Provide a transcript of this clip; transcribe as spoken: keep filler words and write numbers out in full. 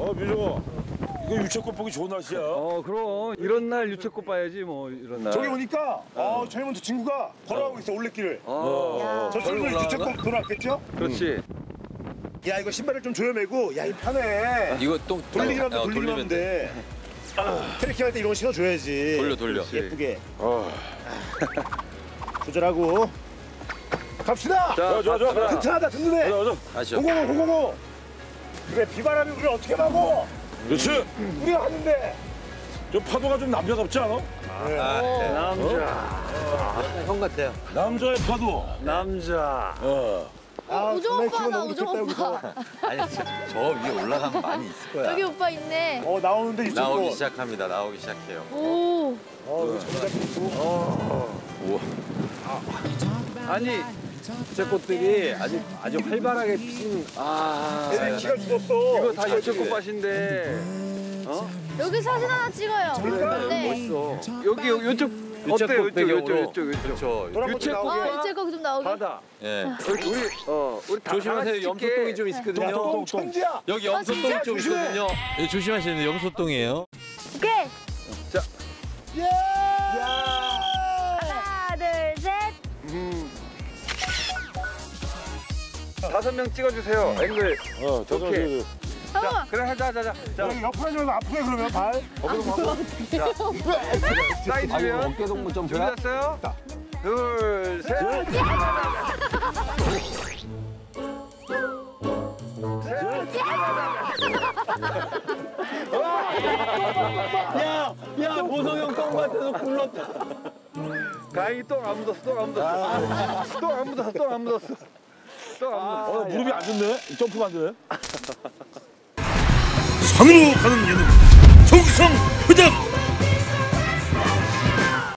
어, 민정아. 이거 유채꽃 보기 좋은 날씨야. 어, 그럼 이런 날 유채꽃 봐야지 뭐 이런 날. 저기 보니까 어, 젊은 두 친구가 걸어가고 있어 올레길을. 어, 저 친구들 유채꽃 돌아왔겠죠? 그렇지. 야 이거 신발을 좀 조여매고 야 이 편해. 이거 또 돌리기만 하면 어, 돌리기만 하면 돼. 트레킹 할 때 이런 거 신어줘야지. 돌려 돌려. 예쁘게. 어. 조절하고 갑시다. 자, 저, 저, 저. 튼튼하다 든든해. 가자, 가자. 아시죠? 고고고 고고고. 그래 비바람이 우리를 어떻게 막어? 그렇지. 우리가 하는데. 저 파도가 좀 남자답지 않아? 네. 남자. 형 같아요. 남자의 파도. 남자. 어. 아, 우정 정말 오빠다, 기분 너무 우정 좋겠다, 오빠. 여기서. 아니 저, 저 위에 올라가면 많이 있을 거야. 여기 오빠 있네. 어 나오는데 유채꽃. 나오기 시작합니다. 나오기 시작해요. 오. 어 여기 정답이 있고. 아니, 유채꽃들이 아주 아주 활발하게 피는. 아, 애들 기가 죽었어. 이거 다 유채꽃 밭인데. 어? 여기 사진 하나 찍어요. 네. 멋있어. 여기 여기 이쪽 어때요? 유채꽃 이쪽 배경으로. 이쪽 이쪽 이쪽. 그렇죠. 노란 것도 유채꽃. 나오게. 아, 이제 거기 좀 나오게. 바다. 예. 우리 우리 어 우리 다 조심하세요. 다 같이 염소똥이 좀 야, 있거든요. 너 천지야. 여기 아, 염소똥이 진짜? 좀 조심해. 있거든요. 예, 조심하셔야 돼요. 염소똥이에요. 오케이. 예. 야. 하나, 둘, 셋. 음. 다섯 명 찍어주세요. 앵글. 어, 저, 저, 저, 오케이. 저. 자, 잠깐만. 그래 하자 하자. 자, 여기 옆으로 하지 말고 앞으로 해 그러면 발. 사이즈면 어깨 동무 좀 준비됐어요? 둘, 셋. 야, 야, 보성형 똥 같아서 굴렀다. 가인이 똥안 묻었어, 똥 안 묻었어. 똥 안 묻었어, 똥 안 묻었어. 똥 안 묻었어. 어, 무릎이 안 좋네. 점프가 안 되네. 산으로 가는 예능 정성 회장